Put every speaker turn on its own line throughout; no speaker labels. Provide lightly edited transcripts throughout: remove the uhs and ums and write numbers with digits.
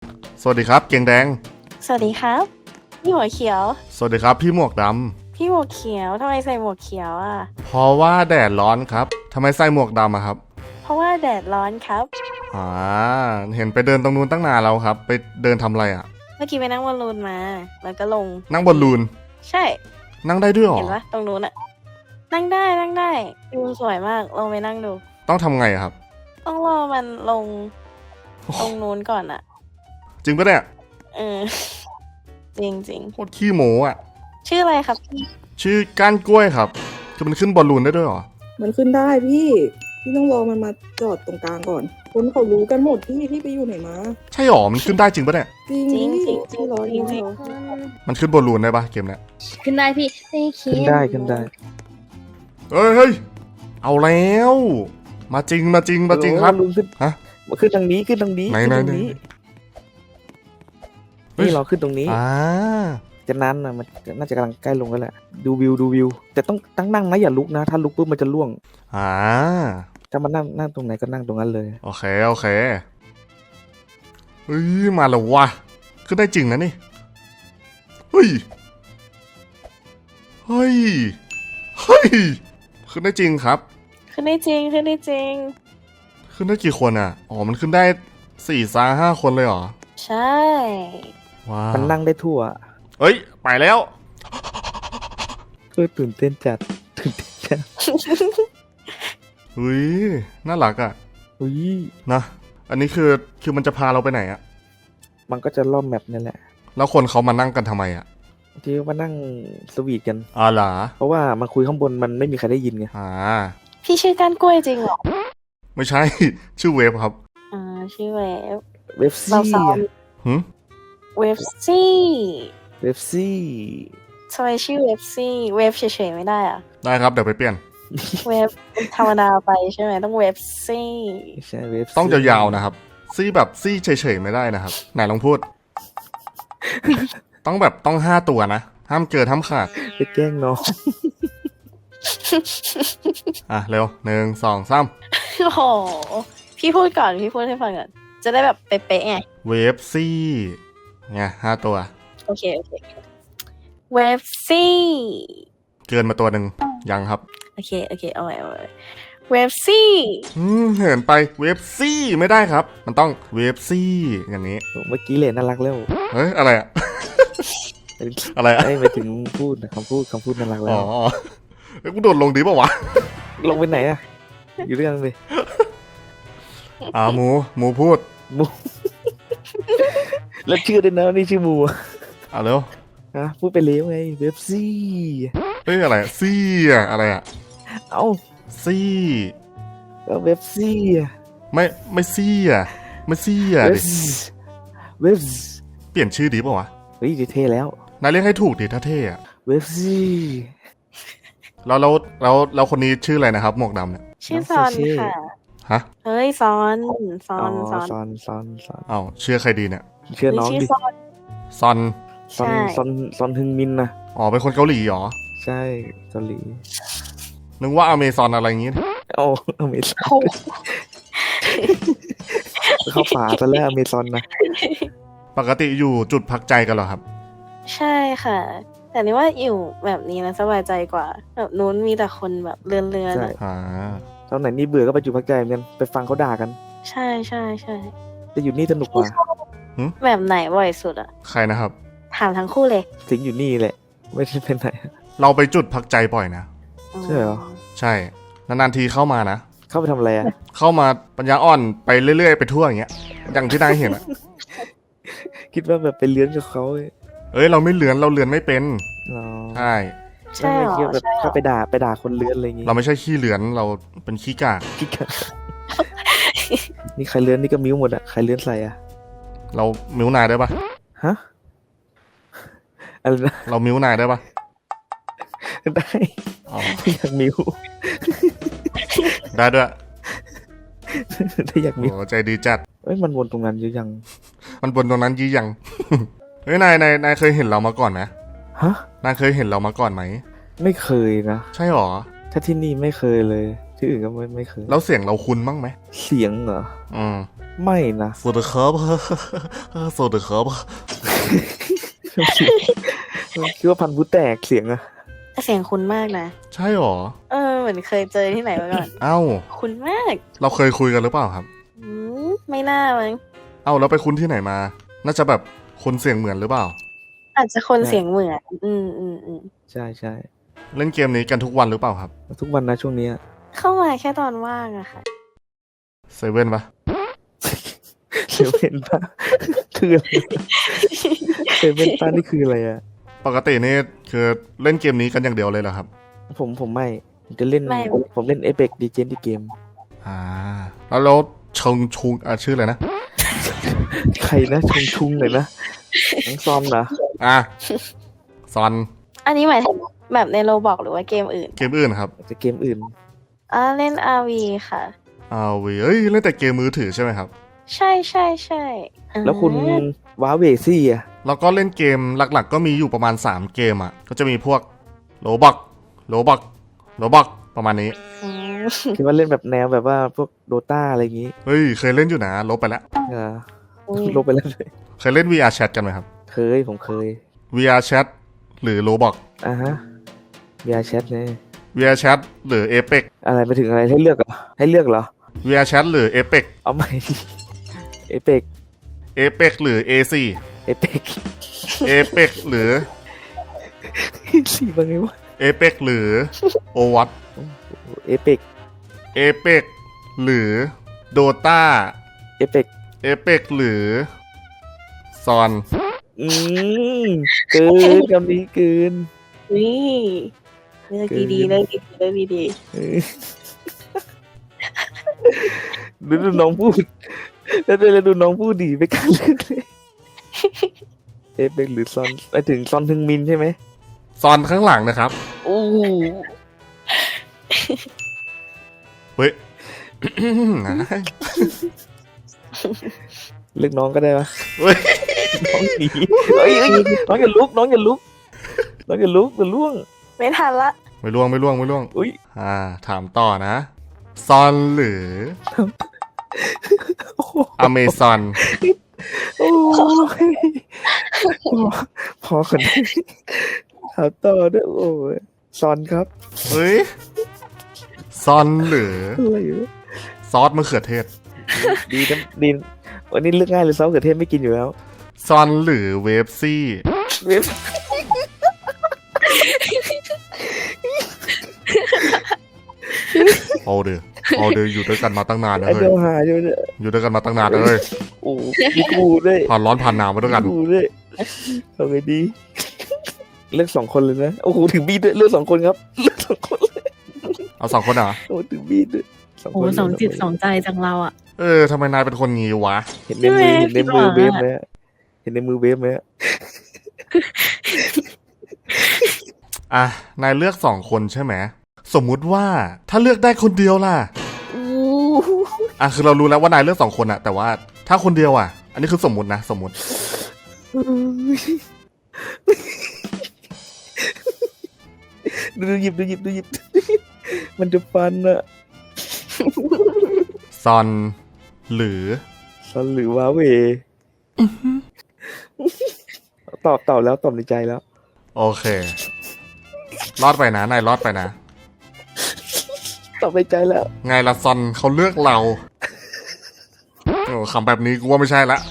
สวัสดีครับเกียงแดง
สวัสดีครับพี่หัวเขียว
สวัสดีครับพี่หมวกด
พี่หมวกเขียวทำไมใส่หมวกเขียวอ่ะ
ำเพราะว่าแดดร้อนครับทำไมใส่หมวกดำอะครับ
เพราะว่าแดดร้อนครับ
อ่าเห็นไปเดินตรงนู้นตั้งนานแล้วครับไปเดินทำอะไรอะ
เมื่อกี้ไปนั่งบอลลูนมา แล้วก็ลง
นั่งบนลูน
ใช่
นั่งได้ด้วยหรอ
เห็นปะตรงนู้นอะนั่งได้นั่งได้ดูสวยมากลองไปนั่งดู
ต้องทำไงอะครับ
ต้องรอมันลงตรงนู้นก่อนอะ
จริงปะเนี่ย
เออ จริงจริง
โคตรขี้โม้อะ
ชื่ออะไรครับพี่
ชื่อก้านกล้วยครับคือมันขึ้นบอลลูนได้ด้วยหรอ
มันขึ้นได้พี่ต้องรอมันมาจอดตรงกลางก่อน คนเขารู้กันหมดพี่ไปอยู่ไหนมา
ใช่หรอมันขึ้นได้จริงปะเนี่ย
จริง
จริง
พี่
จริงจริ
พี่
ง
รอ
จริงจริง
มันขึ้นบอลลูนได้ปะเกมเนี้ย
ขึ้นได้พี่ไม่คิ
ขึ้นได้ขึ้นได้
เฮ้ยเอาแล้วมาจริงครับ
ลุงขึ้น
ฮะ
มาขึ้นทางนี้ขึ้นทางนี้
ไหน
ขึ้น
ไหน
ทาง
ไหน
นี้
เฮ้ย
นี่เราขึ้นตรงนี้
อ่า
จะนั้นนะมันน่าจะกำลังใกล้ลงแล้วแหละดูวิวแต่ต้องตั้งนั่งนะอย่าลุกนะ ถ้าลุกปุ๊บมันจะล่วง
อ่า
ถ้ามันนั่งตรงไหนก็นั่งตรงนั้นเลย
โอเคเฮ้ยมาแล้ววะขึ้นได้จริงนะนี่เฮ้ยขึ้นได้จริงครับ
ขึ้นได้จริงขึ้นได้จริง
ขึ้นได้กี่คนอ่ะอ๋อมันขึ้นได้4-5 คนเลยเหรอ
ใช่
ว้าว
มันนั่งได้ทั่ว
เอ้ยไปแล้ว
ก็ตื่นเต้นจัดตื่นเต้นจัด
เฮ้ยน่ารักอ่ะ
อุ้ย
นะอันนี้คือมันจะพาเราไปไหนอ่ะ
มันก็จะล่อมแมปนั่นแหละ
แล้วคนเขามานั่งกันทำไมอ่ะ
ที่มานั่งสวีทกัน
อ๋อเหรอ
เพราะว่ามันคุยข้างบนมันไม่มีใครได้ยินไง
อ่า
พี่ชื่อก้านกล้วยจริงเหรอ
ไม่ใช่ ชื่อเวฟครับ
ชื่อเวฟ
เว็บ
เรา
ซี่
ซ้อม
หืม
เวฟซี่
เว็บซี่
ทำไมชื่อเวฟซี่เวฟเฉยๆไม่ได้อะ
ได้ครับเดี๋ยวไปเปลี่ยน
เวฟธรรมดาไปใช่ไหมต้องเวฟซี่
ไม่ใช่เว็บซี่
ต้องยาวๆนะครับ ซี่แบบซี่เฉยๆไม่ได้นะครับ ไหนลองพูด ต้อง5 ตัวนะ ห้ามเกินห้ามขาด
ไปแกล้งน้อง
อ่ะ เร็ว1 2 3
โอ้โหพี่พูดก่อนพี่พูดให้ฟังก่อนจะได้แบบเป๊ะๆไง
เวฟซี่ไง5 ตัว
โอเคเวฟซี่
เกินมาตัวหนึ่งยังครับ
โอเคเอาไว้เวฟซี่
เหินไปเวฟซี่ไม่ได้ครับ มันต้องเวฟซี่อย่างนี้
เมื่อกี้เลยน่ารักแล้ว
เฮ้ย อะไรอะ อะไรอะ
ไม่ไปถึงพูดนะคำพูดน่ารักแล้
อ๋
ว
อเฮ้ยกูโดดลงดีป่าวะ
ลงไปไหนอะอยู่ด้วยกันเลย
หมูพูด
มูแล้วชื่อด้วยนะนี่ชื่อมูอะ
เร็ว
ฮะพูดไปเลี้ยวไงเว็บซี่
เฮ้ยอะไรอะซี่อะอะไรอะ
เอ้า
ซี่
ก็เว็บซี่อะ
ไม่ซี่อะไม่ซี่อะ
เว็บ
ดิ
เว็บ
เปลี่ยนชื่อดีป่าวะ
เฮ้ยเท่แล้ว
นายเรียกให้ถูกดิถ้าเท่อะ
เว็บซี่
แล้วคนนี้ชื่ออะไรนะครับ หมวกดำเนี่ย
ชื่อซอนค่ะ
ฮะ
เฮ้ยซอน
อ๋อ
ซอน
ซอน
เอ้าเชื่อใครดีเนี่ย
เชื่อน้อง
ชื่อ
ดิ
ซอน
ซอน
ซอน
ใช่
ซอนฮึงมินนะ
อ๋อเป็นคนเกาหลีเหรอ
ใช่เกาหลี
นึกว่าอเมซอนอะไรอย่างงี้
โอ้อเมซอน
โอ้
เข้าป่าซะแล้วอเมซอนนะ
ปกติอยู่จุดพักใจกันเหรอครับ
ใช่ค่ะ แต่นี่ว่าอยู่แบบนี้นะสบายใจกว่าแบบนู้นมีแต่คนแบบเลื่อน
ใช่
อ่า
ตอนไหนนี่เบื่อก็ไปจุดพักใจเหมือนกันไปฟังเขาด่ากัน
ใช่ใช่ใช่
แต่อยู่นี่สนุกกว่า
แบบไหนบ่อยสุดอะ
ใครนะครับ
ถามทั้งคู่เลย
สิงอยู่นี่แหละ ไม่ได้เป็นไหน
เราไปจุดพักใจบ่อยนะ
ใช่เหรอ
ใช่ นานๆทีเข้ามานะ
เข้าไปทำอะไรอะ
เข้ามาปัญญาอ่อนไปเรื่อยๆไปทั่วอย่างเงี้ย อย่างที่นายเห็นอะ
คิดว่าแบบไปเลื้อนกับเขาเลย
เอ้ยเราไม่เลือนเราเลือนไม่เป็น
เหรอ
ใช่
ใช่เหรอ
ไม่คิดว่าแบบ
ใช่เหร
เข้า
อ
ไปด่าคนเลื้อนอะไรอย่างงี้
เราไม่ใช่ขี้เลือนเราเป็นขี้กาก
คิดกันนี่ใครเลื้อนนี่ก็มิ้วหมดอะใครเลื้อนใส่อะ
เรามิ้วนายได้ปะ
ฮะอะไรนะ
เรามิ้วนายได้ปะ
ได้
อ๋อ
ไม่อยากมิ้ว
ได้ด้วย
ได้อยากมิ้ว
โอ้ใจดีจัด
เอ้ยมันวนตรงนั้นเยอะยัง
มันบนตรงนั้นยี่ยัง เฮ้ยนายเคยเห็นเรามาก่อนไหม
ฮะ
นายเคยเห็นเรามาก่อนไหม
ไม่เคยนะ
ใช่หรอ
ถ้าที่นี่ไม่เคยเลย ที่อื่นก็ไม่เคย
แล้วเสียงเราคุ้นบ้างไหม
เสียงเหรอ
อืม
ไม่นะ
สวัสดีครับ สวัสดีครับ
คิดว่าพันธุ์ผู้แตกเสียงอะ
แต่เสียงคุ้นมากนะ
ใช่หรอ
เหมือนเคยเจอที่ไหนมาก่อน
เอ้า
คุ้นมาก
เราเคยคุยกันหรือเปล่าครับ
ไม่น่ามั้ง
เอ้าแล้วไปคุ้นที่ไหนมา น่าจะแบบคนเสียงเหมือนหรือเปล่า
อาจจะคนเสียงเหมือน
ใช่ใช่
เล่นเกมนี้กันทุกวันหรือเปล่าครับ
ทุกวันนะช่วงเนี้ย
เข้ามาแค่ตอนว่างอะค่ะ
เซเว่นปะ
เซเว่นป้าคืออะไรเซเว่นป้านี่คืออะไรอะ
ปกตินี่คือเล่นเกมนี้กันอย่างเดียวเลยเหรอครับ
ผมไม่ผมจะเล่น
ไม่
ผมเล่น Apex Legends ที่เกม
อ่า แล้วชงชุงชื่ออะไรนะ
ใครนะชุงเลยนะน้องซอมนะ
อ่ะซอน
อันนี้หมายถึงแบบในโรบอกหรือว่าเกมอื่น
เกมอื่นครับ
จะเกมอื่น
เล่น RV ค่ะ
เอ้ยเล่นแต่เกมมือถือใช่ไหมครับ
ใช่ใช่ใช่
แล้วคุณว้าเวซี่อะ
แล้วก็เล่นเกมหลักๆ ก็มีอยู่ประมาณ3เกมอ่ะ ก็จะมีพวกโลบักประมาณนี้
อืม
คิดว่าเล่นแบบแนวแบบว่าพวกโดตาอะไรอย่างงี้
เฮ้ย เคยเล่นอยู่นะ ลบไปแล้ว
เออ
อุ้ย
ลบไปแล้วเลย
เคยเล่น VR Chat กันไหมครับ
ผมเคย
VR Chat หรือ Roblox
อ่ะฮะ VR Chat เนี่ย
VR Chat หรือ Apex
อะไรไปถึงอะไรให้เลือกเหรอ
VR Chat หรือ Apex
เอาใหม่ Apex
Apex หรือ AC
Apex
Apex หรือ
สี่ว่าไงวะ
Apex หรือ Overwatch
Apex
Apex หรือ Dota
Apex
Apex หรือ Son
อืมเกินคำนี้เกิน
นี่เลือกดีๆเลือกดี
เออดูน้องพูด แล้วดูน้องพูดดีไปกันเลยเอฟเบกหรือซอนไปถึงซอนทึงมินใช่ไหม
Son ข้างหลังนะครับ
โอ้โห
เฮ้ย
เลือกน้องก็ได้ปะ
เฮ้ย
น้องหนีเฮ้ยน้องอย่าลุกน้องอย่าลุกจะล่วง
ๆไม่ทันละ
ไม่ล่วง
อุ้ย
ถามต่อนะ ซอนหรือ
โอ้โห
อเมซอน
โอ้ยพอคนนี้ถามต่อด้วยโอ้ยซอนครับ
เฮ้ย ซอนหรือ
อะไรวะ
ซอสมะเขือเทศ
ดีนะดีวันนี้เลือกง่ายเลยซอสมะเขือเทศไม่กินอยู่แล้ว
ซอนหรือเวฟซี่
เว็บ
เอาเดี๋ยวอยู่ด้วยกันมาตั้งนานนะ
ไอ
เฮ้
เดี
ย
ยวหาใช่ไหมเนี่ย
อยู่ด้วยกันมาตั้งนานเลย
โอ้มีกูด้วย
ผ่านร้อนผ่านหนาวมาด้วยกัน
มีกูด้วยเอาไงดี เลือก2 คนเลยนะโอ้โหถึงบีด้วยเลือก2 คนครับเลือก2 คนเลย
เอา2 คนเหรอ
โอ้ถึงบีด้วย2
โอ้
คน
สองจิตสองใจจังเราอ่ะ
ทำไมนายเป็นคนงี้วะ
เห็นในมือ
ใช่ไหม
เวฟไหมอะเห็นในมือเวฟไหมอะ
นายเลือก2 คนใช่ไหม สมมุติว่าถ้าเลือกได้คนเดียวล่ะ
อู้
คือเรารู้แล้วว่านายเลือก2 คนอะแต่ว่าถ้าคนเดียวอะอันนี้คือสมมุตินะ สมมุติ
ดูหยิบมันจะฟันอะ
ซอนหรือ
ซอนหรือว้าเวตอบแล้วตอบในใจแล้ว
โอเค รอดไปนะ นายรอดไปนะ
ตอบในใจแล้ว
ไงล่ะซอนเขาเลือกเราคำแบบนี้กูว่าไม่ใช่ละ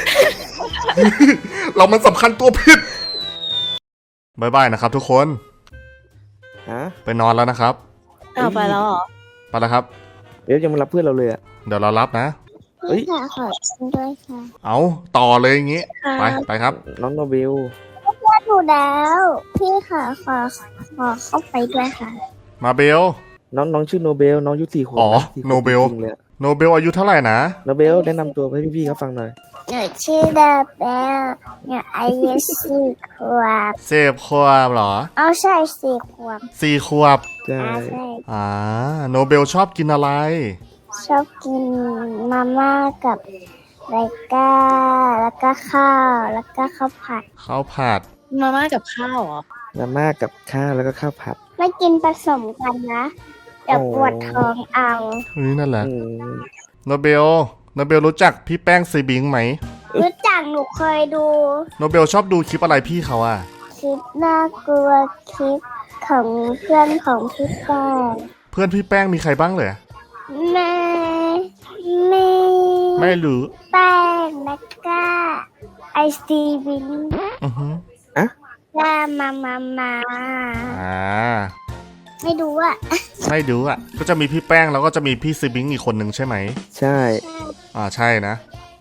เรามันสำคัญตัวผิดบายบายนะครับทุกคน
ฮะ
ไปนอนแล้วนะครับ
ไปแล้วเหรอ
ไปแล้วครับ
เวฟยังมารับเพื่อนเราเลยอะ
เดี๋ยวเรารับนะ
เฮ้ย
ค่ะขอชิมด้วยค่ะ
เอาต่อเลยอย่างงี้ ไปครับ
น้องโนเบล
ว่าถูกแล้ว พี่ค่ะขอเข้าไปด้วยค่ะ
มาเบล
น้องชื่อโนเบลน้องอายุ4 ขวบ
อ๋อ
สี่ขว
โนเบล
จริงๆเลยอะ
โนเบลอายุเท่าไหร่นะ
โนเบลแนะนำตัวให้พี่ๆเขาฟังหน่อย
หนูชื่อดาเบลเนี่ยอายุ4 ขวบ
เสพขวบเหรอ
เอาใช่4 ขวบ
4 ขวบ
ใช่
ใช่
โนเบลชอบกินอะไร
ชอบกินมาม่ากับไรก้าแล้วก็ข้าวแล้วก็ข้าวผัด
ข้าวผัด
มาม่ากับข้าวเหรอ
มาม่ากับข้าวแล้วก็ข้าวผัด
ไม่กินผสมกันนะ เดี๋ยวปวดท้องเอา
เฮ้ยนั่นแหละ
อืม
โนเบลโนเบลรู้จักพี่แป้งซีบิงไหม
รู้จักหนูเคยดู
โนเบลชอบดูคลิปอะไรพี่เขาอะ
คลิปน่ากลัวคลิปของเพื่อนของพี่แป้ง
เพื่อนพี่แป้งมีใครบ้างเลย
ไม่ไม่
ไม่รู้
แป้งแล้วก็ไอซีวิน
อือฮึ
ก็มา
อ่า
ไม่ดูอ่ะ
ไม่ดูอ่ะก็จะมีพี่แป้งแล้วก็จะมีพี่ซีบิงอีกคนหนึ่งใช่ไหม
ใช่
ใช่นะ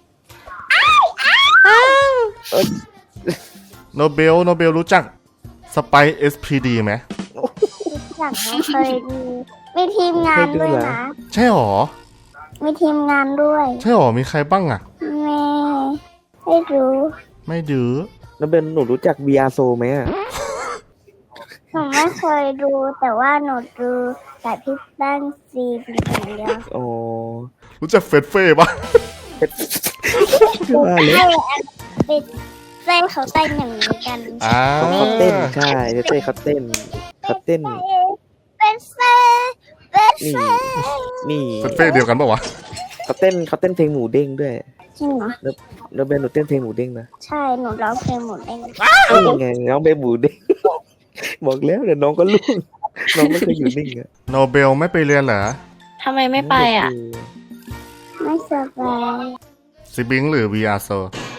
โนเบลรู้จักสไปเอสพีดีไหม
รู้จักหนูเคยดูมีทีมงานด้วยนะ
ใช่หรอ
มีทีมงานด้วย
ใช่หรอมีใครบ้างอ่ะ
ไม่รู้
ไม่ดู
แล้วเบนหนูรู้จัก VR So ไหมอะ
หนูไม่เคยดูแต่ว่าหนูดูแต่พี่แป้งซีเป็นอย่างเดียว
อ๋อ
รู้จักเฟดเฟ่ปะ
ว่าเลย
เป็นเต้นเขาเต้นอย่างนี้กัน
เขาเต้นใช่เต้เขาเต้น
เป็นเซ่เป็นเซ่
นี่
เฟดเฟ่เดียวกันปะวะ
เขาเต้นเพลงหมูเด้งด้วย
จริงเหรอ
แล้วเบนหนูเต้นเพลงหมูเด้งนะ
ใช่หนูร้องเพลงหมดเอง
นี่ไงน้องเบนหมูเด้ง บอกแล้วเดี๋ยวน้องก็ลุ่งน้องไม่เคยอยู่นิ่งอะ
โนเบลไม่ไปเรียนเหรอ
ทำไมไม่ไปอ่ะ
ไม่สบาย
ซีบิงหรือ VR So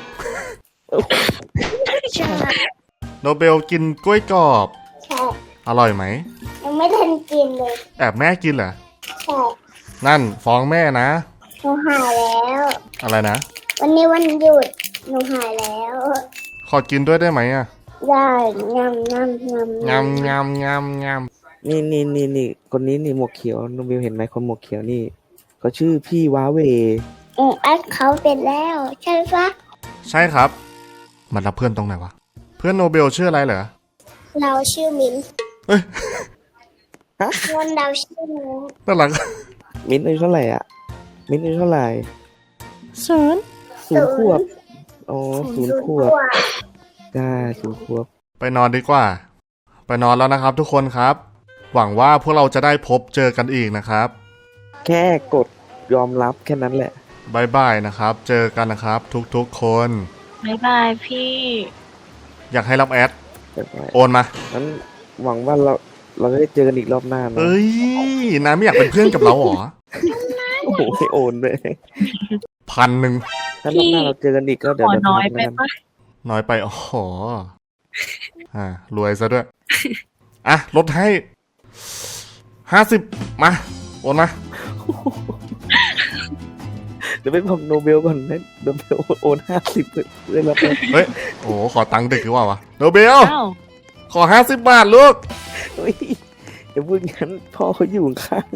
ใช่
โนเบลกินกล้วยกรอบ
ใช่
อร่อยไหม
ยังไม่ทันกินเลย
แอบแม่กินเหรอ
ใช่ นั่
นั่นฟ้องแม่นะ
หนูหายแล้ว
อะไรนะ
วันนี้วันหยุดหนูหายแล้ว
ขอกินด้วยได้ไหมอ่ะ
ได้งำ
งำงำงำงำ
นี่คนนี้นี่หมวกเขียวน้องเบลเห็นไหมคนหมวกเขียวนี่เขาชื่อพี่ว้าเว
อัดเขาเป็นแล้วใช่ปะ
ใช่ครับ มันรับเพื่อนตรงไหนวะ เพื่อนโนเบลชื่ออะไรเหรอ
เราชื่อมิ้น
เอ้ย
คนเราชื่อมิ้น
น่ารัก
มิ้นท์อายุเท่าไหร่อ่ะ มิ้นท์อายุเท่าไหร่
ศูนย์
0 ขวบอ๋อ0 ขวบได้0 ขวบ
ไปนอนดีกว่า ไปนอนแล้วนะครับทุกคนครับ หวังว่าพวกเราจะได้พบเจอกันอีกนะครับ
แค่กดยอมรับแค่นั้นแหละ
บายบายนะครับ เจอกันนะครับ ทุกๆคน
บ๊ายบายพี่
อยากให้รับแอด
เรียบร้อย
โอนมา
งั้นหวังว่าเราจะได้เจอกันอีกรอบหน้านะ
เอ้ยน้าไม่อยากเป็นเพื่อนกับเราเหรอ
โอ้โหให้โอนด้วย
1,000
ถ้ารอบหน้าเราเจอกันอีกก็เดี๋ยว
ขอ
เดี๋ยว
น้อย
ทัก
ไป
แล้วกัน
ปะ
น้อยไปโอ้โหรวยซะด้วย อ่ะลดให้50มาโอนมา
เดี๋ยวไปบอกโนเบลก่อนนะโนเบลโอน50เลยรับไป
เฮ้ยโอ้โหขอตังค์เด็กหรือเปล่าวะโนเบล
อ้าว
ขอ50 บาทลูก
เฮ้ยอย่าพูดงั้นพ่อเขาอยู่ข้าง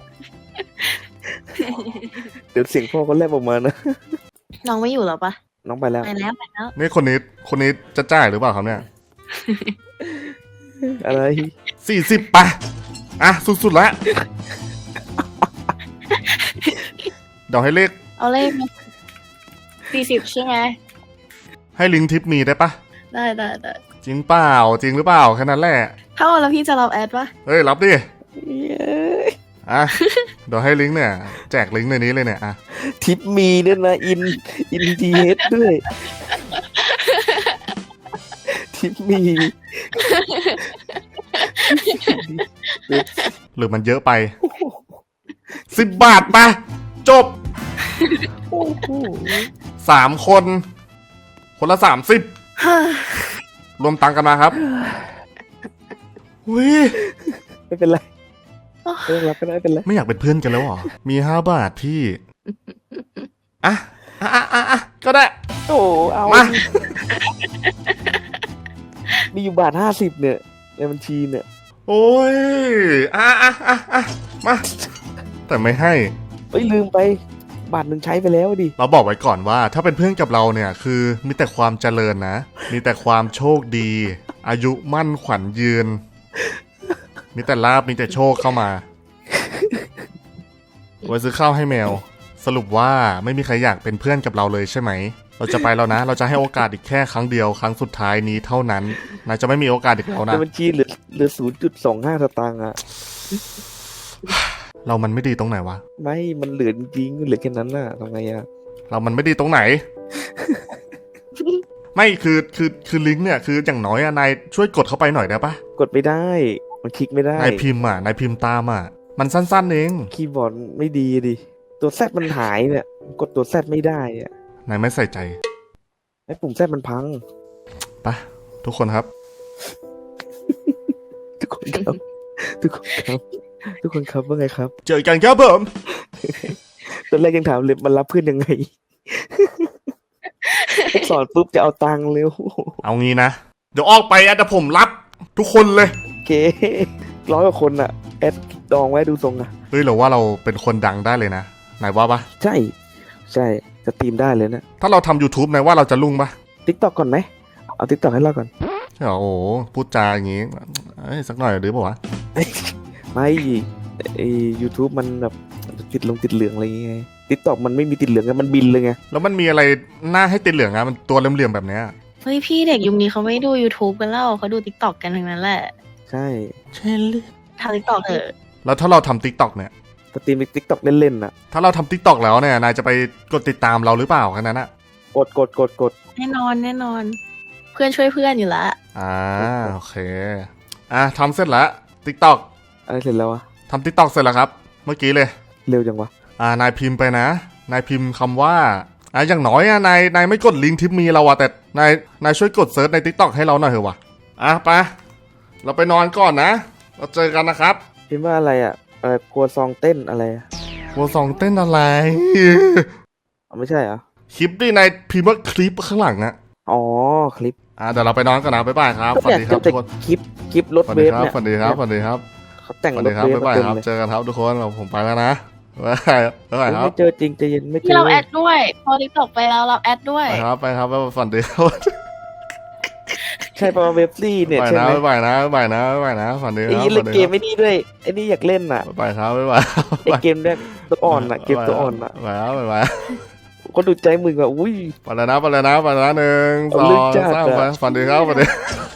เดี๋ยวเสียงพ่อเขาแลบออกมานะ
น้องไม่อยู่แล้วปะ
น้องไปแล้ว
ไปแล้วไปแล้ว
นี่คนนี้จะจ่ายหรือเปล่าครับเนี่ย
อะไร
40 ป่ะ อ่ะ สุดๆแล้ว เดี๋ยวให้เลข
เอาเลขมา40ใช่ไหม
ให้ลิงก์ทิปมีได้ปะ
ได้
จริงเปล่า จริงหรือเปล่า แค่นั้นแหละ
ถ้าเอาแล้วพี่จะรับแอดปะ
เฮ้ย รับดิ
เย้ย
อ่ะ เดี๋ยวให้ลิงก์เนี่ย แจกลิงก์ในนี้เลยเนี่ย อ่ะ
ทิปมีด้วยนะอินทีเฮดด้วยทิปมี
หรือมันเยอะไป 10 บาทปะจบ 3 คน คนละ 30 รวมตังค์กันมาครับวิ
ไม่เป็นไรไม่ต้องรับก็ได้ไม่เป็นไร
ไม่อยากเป็นเพื่อนกันแล้วเหรอ มี5 บาทพี่ อ่ะก็ได้
โอ้เอา
มา
มีอยู่บาท50เนี่ยในบัญชีเนี่ย
โอ้ย มา แต่ไม่ให้
เอ้ยลืมไปบาทหนึ่งใช้ไปแล้วดิ
เราบอกไว้ก่อนว่าถ้าเป็นเพื่อนกับเราเนี่ยคือมีแต่ความเจริญนะ มีแต่ความโชคดี อายุมั่นขวัญยืน มีแต่ลาบมีแต่โชคเข้ามาไว้ซื้อข้าวให้แมว สรุปว่าไม่มีใครอยากเป็นเพื่อนกับเราเลยใช่ไหม เราจะไปแล้วนะ เราจะให้โอกาสอีกแค่ครั้งเดียวครั้งสุดท้ายนี้เท่านั้นนายจะไม่มีโอกาสอีกแล้ว
ใน
นะ
บัญชีเหลือ0.25 สตางค์อะ
เรามันไม่ดีตรงไหนวะ
ไม่มันเหลือจริงๆเหลือแค่นั้นน่ะทำไงอะ
เรามันไม่ดีตรงไหน ไม่คือลิงก์เนี่ยคืออย่างน้อยอะนายช่วยกดเข้าไปหน่อยได้ปะ
กดไม่ได้ มันคลิกไม่ได้
นายพิมพ์ตามอ่ะ มันสั้นๆเอง
คีย์บอร์ดไม่ดีดิตัวแซดมันหายเนี่ยกดตัวแซดไม่ได้อะ
นายไม่ใส่ใจ
ไอ้ปุ่มแซดมันพัง
ไปะทุกคนครับ
ทุกคนครับ ทุกคนครับ ทุกคนครับว่าไงครับ
เจอกันครับผม
ตอนแรกยังถามเลยมันรับเพื่อนยังไง สอนปุ๊บจะเอาตังค์เร็ว
เอางี้นะ เดี๋ยวออกไปอะแต่ผมรับทุกคนเลย
โอเค100 กว่าคนอะแอดดองไว้ดูทรงอะ
เฮ้ยเราว่าเราเป็นคนดังได้เลยนะนายว่าปะ
ใช่สตรีมได้เลยนะ
ถ้าเราทำ YouTube นายว่าเราจะรุ่งปะ
ทิกตอกก่อนไหมเอาทิกตอกให้เราก่อน
ใช่เหรอโอ้โหพูดจาอย่างงี้เอ้ยสักหน่อยหรือเปล่าวะ
ไม่ไอ YouTube มันแบบติดเหลืองอะไรอย่างเงี้ยทิกตอกมันไม่มีติดเหลืองไงมันบินเลยไง
แล้วมันมีอะไรหน้าให้ติดเหลืองอะมันตัวเหลี่ยมๆแบบเนี้ย
เฮ้ยพี่เด็กยุคนี้เขาไม่ดู YouTube กันแล้วเขาดู TikTok กันทั้งนั้นแหละ
ใช่
เช่นเลย
ทำ TikTok เถอะ
แล้วถ้าเราทำ TikTok เนี่ย
สตรีมทิกตอกเล่นๆน่ะ
ถ้าเราทำ TikTok แล้วเนี่ยนายจะไปกดติดตามเราหรือเปล่าแค่นั้นอะ
กด
แน่นอน เพื่อนช่วยเพื่อนอยู่ละ
โอเคทำเสร็จแล้ว TikTok
อะไรเสร็จแล้ววะ
ทำ TikTok เสร็จแล้วครับ เมื่อกี้เลย
เร็วจังวะ
นายพิมพ์ไปนะ นายพิมพ์คำว่าอย่างน้อยนายไม่กดลิงก์ทิปมีเราอะแต่นายช่วยกดเซิร์ชใน TikTok ให้เราหน่อยเถอะวะไปเราไปนอนก่อนนะ เราเจอกันนะครับ
พิมพ์ว่าอะไรอ่ะครัวซองเต้นอะไรอะ
วัวสองเต้นอะไร
อ๋อไม่ใช่เหรอ
คลิปดินายพิมพ์ว่าคลิปข้างหลังอะ
อ๋อคลิป
เดี๋ยวเราไปนอนก่อนนะบ๊ายบายครับสวัสดีครับทุ
แต่
กคน
คลิปรถ
สวัส
เว
ดี
ฟ
ครับ
เนี่ย
สวัสดีครับสวัสดีครับ
เขาแต่ง
สวัส
ร
ดี
ถ
ครับ
เวฟ
บ๊ายบาย
มาเต็ม
ครับ
เลย
เจอกันครับทุกคนผมไปแล้วนะบ๊ายบายครับ
ไม่เจอจริงใจเย็นไม่เจ
ที่
อ
เราแอดด้วย พอ TikTok ไปแล้วเราแอดด้วย
ไปครับบ๊ายบายฝันดีครับ
ใช่ปะเว็บซี่เนี่ย
ไป
ใช่
นะ
ไหม
บ๊ายบายนะบ๊ายบายนะบ๊ายบายนะฝันดีค
ไอ้
รับ
ยี่เล่น
ฝัน
เก
ดี
มไม่นี่ด้วยไอ้นี่อยากเล่นอ่ะ
บ๊ายบายครับบ๊ายบาย
ไอ้เกมเนี่ยตัวอ่อนอ่ะเกมตัวอ่อนอ่ะ
บ๊ายบายบ๊ายบาย
คนดูใจมึงอ่ะอุ้ย
ไปแล้วนะ1 2
ลึกจัด
3
อะ
ไปฝันดีครับฝันดี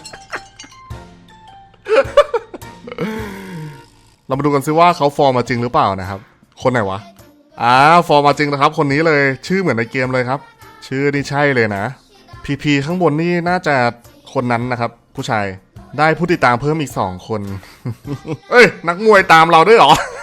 เรามาดูกันซิว่าเขาฟอร์มมาจริงหรือเปล่านะครับ คนไหนวะฟอร์มมาจริงนะครับ คนนี้เลยชื่อเหมือนในเกมเลยครับ ชื่อนี่ใช่เลยนะพีข้างบนนี่น่าจะคนนั้นนะครับ ผู้ชายได้ผู้ติดตามเพิ่มอีก2 คน เอ้ยนักมวยตามเราด้วยเหรอ